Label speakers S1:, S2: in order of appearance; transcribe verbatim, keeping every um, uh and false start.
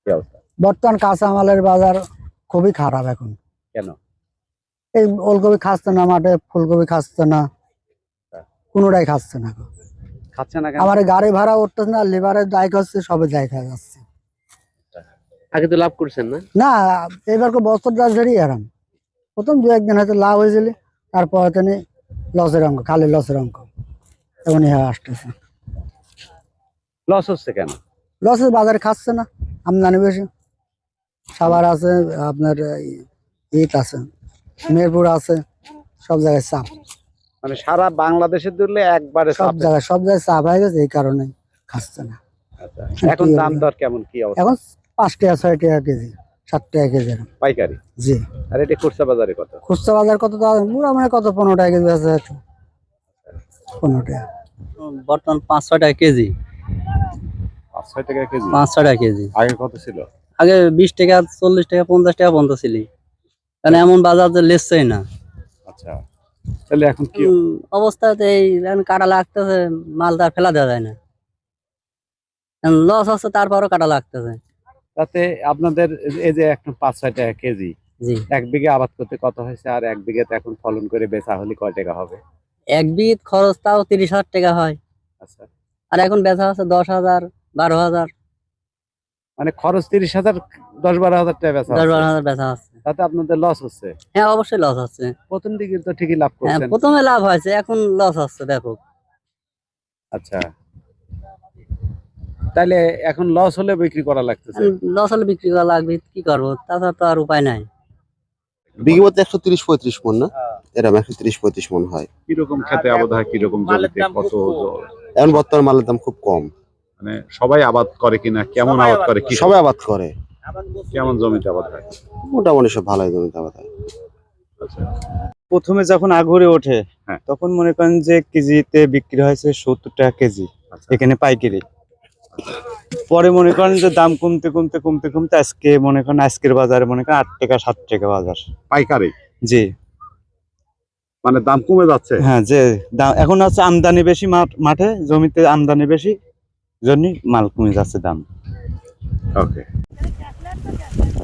S1: অবস্থা?
S2: বর্তমান কাঁচামালের বাজার খুবই খারাপ এখন।
S1: কেন?
S2: এই ওলকপি খাচ্ছে না, মাঠে ফুলকপি খাচ্ছে না, কোনোটাই খাচ্ছে না।
S1: খাচ্ছে না কেন?
S2: আমার গাড়ি ভাড়া উঠতেছে না, লেবারের দায় হচ্ছে, সবে দায় খাওয়া যাচ্ছে।
S3: আগে তো লাভ করছেন না?
S2: না, এবার বছর দশ ধরেই আরাম। প্রথম দু একদিন হয়তো লাভ হয়েছিল, তারপর তিনি লসের অঙ্ক, খালি লসের অঙ্ক এখন আসতেছে।
S1: লস হচ্ছে কেন?
S2: লসের বাজারে খাচ্ছে না, আমদানি বেশি। সাভার আছে, আপনার ইট আছে, মেহেরপুর আছে, সব জায়গায় চাপ।
S1: মানে সারা বাংলাদেশে দিলে একবারে
S2: সব
S1: চাপে।
S2: জায়গায় সব জায়গায় চাপ হয়ে গেছে, এই কারণে খাচ্ছে না।
S1: আচ্ছা, এখন দাম দর কেমন, কি অবস্থা?
S2: এখন পাঁচ টাকা ছয় টাকা কেজি, সাত টাকা কেজি এরকম।
S1: পাইকারি?
S2: জি।
S1: আর এটা খুচরা বাজারে কত?
S2: খুচরা বাজার কত? মোটামুটি কত, পনেরো টাকা কেজি আছে, পনেরো টাকা।
S3: বর্তমান পাঁচ ছয় টাকা কেজি।
S1: পাঁচ ছয় টাকা কেজি?
S3: পাঁচ ছয় টাকা কেজি।
S1: আগে কত ছিল?
S3: আগে বিশ টাকা, চল্লিশ টাকা, পঞ্চাশ টাকা পর্যন্ত ছিল। কারণ এমন বাজার যে লেসছেই না।
S1: আচ্ছা, তাহলে এখন কি
S3: অবস্থাতে এই কাটা লাগতেছে, মালটা ফেলা দেওয়া যায় না, লস হচ্ছে, তারপরও কাটা লাগতেছে।
S1: তাতে আপনাদের এই যে এখন পাঁচ ছয় টাকা কেজি,
S3: জি।
S1: এক বিঘে আবাদ করতে কত হয়েছে? আর এক বিঘাতে এখন ফলন করে বেচা হলে কয় টাকা হবে?
S3: এক বিঘ খরচ তাও তিরিশ হাজার টাকা হয়।
S1: আচ্ছা,
S3: আর এখন বেচা হচ্ছে দশ হাজার, বারো হাজার।
S1: মানে খরচ তিরিশ হাজার, দশ বারো হাজার টাকা বেচা
S3: দশ বারো
S1: হচ্ছে।
S3: হাজার বেচা হচ্ছে।
S1: তাতে আপনাদের লস হচ্ছে?
S3: হ্যাঁ, অবশ্যই লস হচ্ছে।
S1: প্রথম দিকে তো ঠিকই লাভ
S3: হ্যাঁ,
S1: করছেন।
S3: প্রথমে লাভ হয়েছে, এখন লস হচ্ছে ব্যাপক।
S1: আচ্ছা, তাহলে এখন লস হলে বিক্রি করা লাগতেছে?
S3: লস হলে বিক্রি করা লাগবে, কি করবো, তাছাড়া তো আর উপায় নাই।
S4: বিঘে মতো একশো তিরিশ পঁয়ত্রিশ মন না, এরকম একশো তিরিশ পঁয়ত্রিশ মন হয়।
S1: কিরকম খেতে আবাদ হয়, কিরকম জমিতে, কত?
S4: এখন বর্তমান মালের দাম খুব কম।
S1: মানে সবাই আবাদ করে কিনা, কেমন আবাদ করে, কি
S4: সবাই আবাদ করে,
S1: কেমন জমিতে আবাদ হয়?
S4: মোটামুটি সব ভালোই জমিতে আবাদ হয়।
S5: প্রথমে যখন আগুরে ওঠে,
S1: হ্যাঁ।
S5: তখন মনে করেন যে কেজিতে বিক্রি হয়েছে সত্তর টাকা কেজি, এখানে পাইকারি। পরে মনে করেন যে দাম কমতে কমতে কমতে কমতে আজকে মনে করেন আজকের বাজারে মনে করেন আট টাকা সাত টাকা বাজার
S1: পাইকারি?
S5: জি।
S1: মানে দাম কমে যাচ্ছে?
S5: হ্যাঁ, যে দাম এখন হচ্ছে আমদানি বেশি, মাঠে জমিতে আমদানি বেশি, জন্য মাল কমে যাচ্ছে দাম।
S1: ওকে।